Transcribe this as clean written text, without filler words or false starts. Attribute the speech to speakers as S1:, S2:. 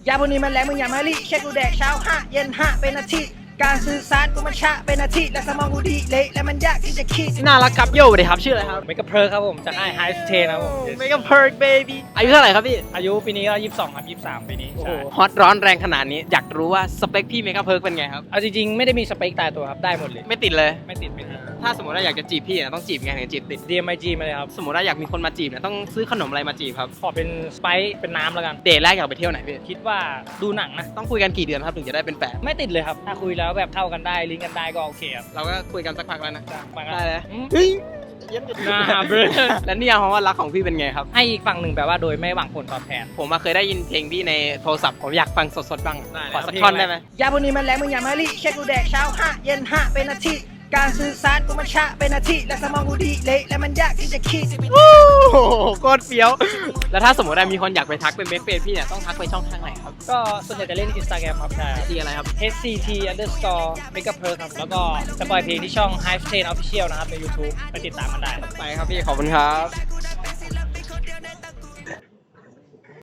S1: ยาพวกนี้มันแรงมึงอย่ามาลิเช็คกูแดกเช้า5เย็น5เป็นอาทิตย์การสื่อสารกูมันช้าเป็นอาทิตย์และสมองกูดีเละและมันยากที่จะคิด
S2: น่ารักครับโย่เลยครับชื่ออะไรครับ
S3: เมกะเพิร์ครับผมจากไอไฮสเทนครับผม
S2: เมกะเพิร์กเบบี้อายุเท่าไหร่ครับพี่
S3: อายุปีนี้ก็22ครับ23ปีนี้
S2: โอ้โห
S3: ใช่
S2: ฮอตร้อนแรงขนาดนี้อยากรู้ว่าสเปคพี่เมกะเพิร์กเป็นไงครับ
S3: เอาจริงๆไม่ได้มีสเปคตายตัวครับได้หมดเลย
S2: ไม่ติดเลย
S3: ไม่ติดไม่ติด
S2: ถ้าสมมติว่าอยากจะจีบพี่เนี่ยต้องจีบไงถึงจะจีบติด
S3: DMIG มาเลยครับ
S2: สมมติว่าอยากมีคนมาจีบเนี่ยต้องซื้อขนมอะไรมาจีบครับ
S3: ขอเป็นสไปซ์เป็นน้ำแล้วกัน
S2: เดทแรกอยากไปเที่ยวไหนพี่
S3: คิดว่าดูหนังนะ
S2: ต้องคุยกันกี่เดือนครับถึงจะได้เป็นแฟน
S3: ไม่ติดเลยครับถ้าคุยแล้วแบบเข้ากันได้ลิงก์กันได้ก็โอเคครับ
S2: เราก็คุยกันสักพักแล้วนะ
S3: มา
S2: ได้เลย
S3: อืม
S2: เฮ้ย
S3: น่าเบลอ
S2: และนี่ความว่ารักของพี่เป็นไงครับ
S3: ให้อีกฝั่งหนึ่งแบบว่าโดยไม่หวังผลตอบแทน
S2: ผมมาเคยได้ยินเพลงพี่ในโทรศัพท์ผมอยากฟังสดๆบ้าง
S3: ได้
S2: ขอสักท่อนได้ไหม
S1: ยาพวกนี้มันแรงมึงอย่ามาลิเช็คกูแดกเช้า5เย็น5เป็นอาทิตย์การสื่อสารกูมันช้าเป็นอาทิตย์และสมองกูดีเละและมันยากที่จะคิด
S2: โอ้โหโคตรเฟี้ยว แล้วถ้าสมมติว่ามีคนอยากไปทักเป็นเบสเฟรนพี่เนี่ยต้องทักไปช่องทางไหนครับ
S3: ก็ส่วนใหญ่จะเล่น Instagram ครับใช่
S2: ที่อะไรครับ
S3: HCT underscore mega p e r ครับแล้วก็จะปล่อยเพลงที่ช่อง Hive Chain Official นะครับใน YouTube ไปติดตามกันได้ครับ
S2: ไปครับพี่ขอบคุณครับ